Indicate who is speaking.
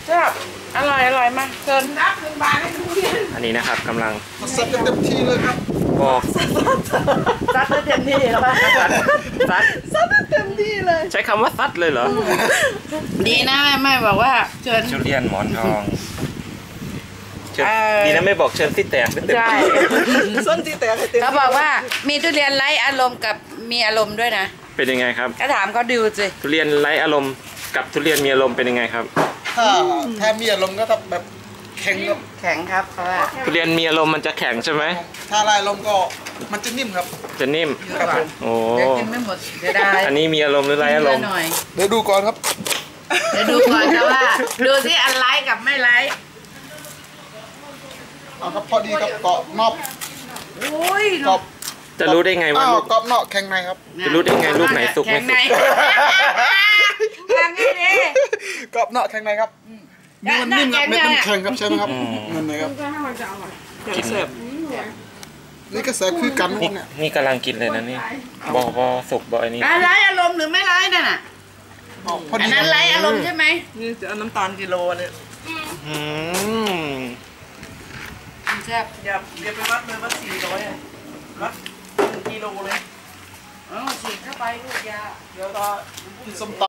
Speaker 1: แซ่บอร่อยมากเกินนับถึงบาทให้ทุเรียน
Speaker 2: อันนี้นะครับกำลัง
Speaker 3: ซัดเต็มที่เลยครับ
Speaker 2: บอก
Speaker 1: ซัดเต็มที่แล้วซัดเต็มที่เลย
Speaker 2: ใช้คำว่าซัดเลยเหรอ
Speaker 1: ดีนะแม่บอกว่าเชิญ
Speaker 2: ทุเรียนหมอนทองดีนะไม่บอกเชิญที่แตก
Speaker 1: ใช่
Speaker 3: ส้นที่แตก
Speaker 1: เขาบอกว่ามีทุเรียนไร้อารมณ์กับมีอารมณ์ด้วยนะ
Speaker 2: เป็นยังไงครับ
Speaker 1: ก็ถามเขาดูสิ
Speaker 2: ทุเรียนไร้อารมณ์กับทุเรียนมีอารมณ์เป็นยังไงครับ
Speaker 3: ถ้ามีอารมณ์ก็แบบแข็งครับ
Speaker 1: แข็งครับเพราะว่า
Speaker 2: ทุเรียนมีอารมณ์มันจะแข็งใช่ไหม
Speaker 3: ถ้าไร้อารมณ์ก็มันจะนิ่มครับ
Speaker 2: จะนิ่ม
Speaker 3: ครับ
Speaker 2: โอ้
Speaker 1: กินไม่หมดเดี๋ยวได้
Speaker 2: อันนี้มีอารมณ์หรือไร้อารมณ์
Speaker 3: เดี๋ยวดูก่อนครับ
Speaker 1: เดี๋ยวดูก่อนนะว่าดูที่อันไร้กับไม่ไร้
Speaker 3: ครับพอดีกับเกาะนอกกรอบ
Speaker 2: จะรู้ได้ไงว่าลูก
Speaker 3: กรอบนอกแข็งในครับ
Speaker 2: จะรู้ได้ไงลูกไหนสุกไม่สุก
Speaker 1: แข็งไงดิ
Speaker 3: กรอบนอกแข็งในครับนี่มันนิ่มครับมันแข็งครับใช่ไหมครับนั่นเลยครับ
Speaker 2: กินเสิร์ฟ
Speaker 3: นี่ก็เสิร์ฟคือกันเนี่ย
Speaker 2: นี่กำลังกินเลยนะนี่บอสุกบออันนี้
Speaker 1: ไร้อารมณ์หรือไม่ไร้นั่นน่ะอันนั้นไร้อารมณ์ใช่ไหม
Speaker 3: นี่จะเอาน้ำตาลกิโลเนี่ย
Speaker 1: แซ่บ
Speaker 3: อย่าไปวัดเลยวัด400วัด1 กิโลเลย
Speaker 1: ฉีดเข้าไปลูกยา
Speaker 3: เดี๋ยวก็กินส้มตำ